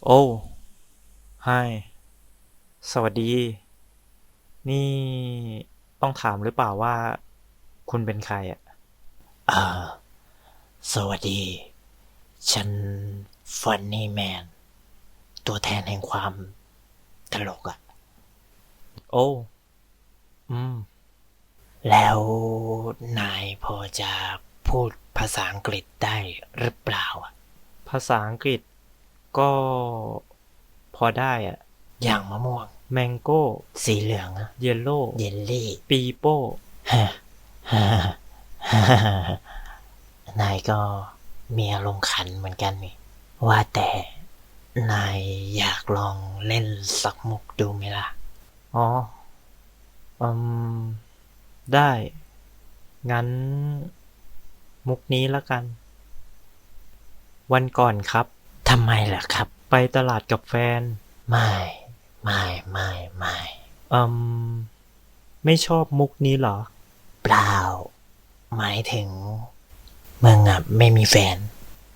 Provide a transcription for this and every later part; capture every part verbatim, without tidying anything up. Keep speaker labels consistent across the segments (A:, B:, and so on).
A: โอ้ไฮสวัสดี นี่ต้องถามหรือเปล่าว่าคุณเป็นใครอ่ะ
B: เอ่อสวัสดี ฉันฟันนี่แมน ตัวแทนแห่งความตลกอะ
A: โอ้อืม
B: แล้วนายพอจะพูดภาษาอังกฤษได้หรือเปล่าอะ
A: ภาษาอังกฤษก็พอได้อ่ะ
B: อย่างมะม่วง
A: แมงโก้
B: สีเหลืองอะ
A: เยลโล่
B: เยลลี่
A: ปีโป้
B: ฮะฮะฮะนายก็มีอารมณ์ขันเหมือนกันนี่ ว่าแต่นายอยากลองเล่นสักมุกดูไหมล่ะ
A: อ๋ออืมได้ งั้นมุกนี้ละกัน วันก่อนครับ
B: ทำไมล่ะครับ
A: ไปตลาดกับแฟน
B: ไม่ ไม่ ไม่ ไม่
A: อืมไม่ชอบมุกนี้เหรอ
B: เปล่า หมายถึงมึงอ่ะไม่มีแฟน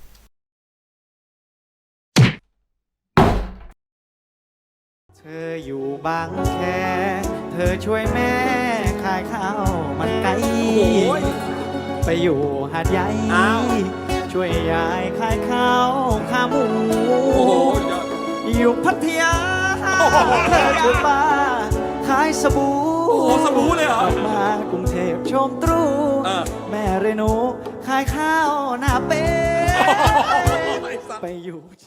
C: เธออยู่บางแค เธอช่วยแม่ขายข้าวมันไก่ไปอยู่หาดใหญ่ช่วยยายขายข้าวขาหมูอยู่พัทยาเธอช่วยป้าขายสบู่
D: โอ้โหสบู่เลยเหรอ
C: กลับมากรุงเทพชมตรู
D: เออ
C: แม่เรนูขายข้าวหน้าเป๊ะไปอยู่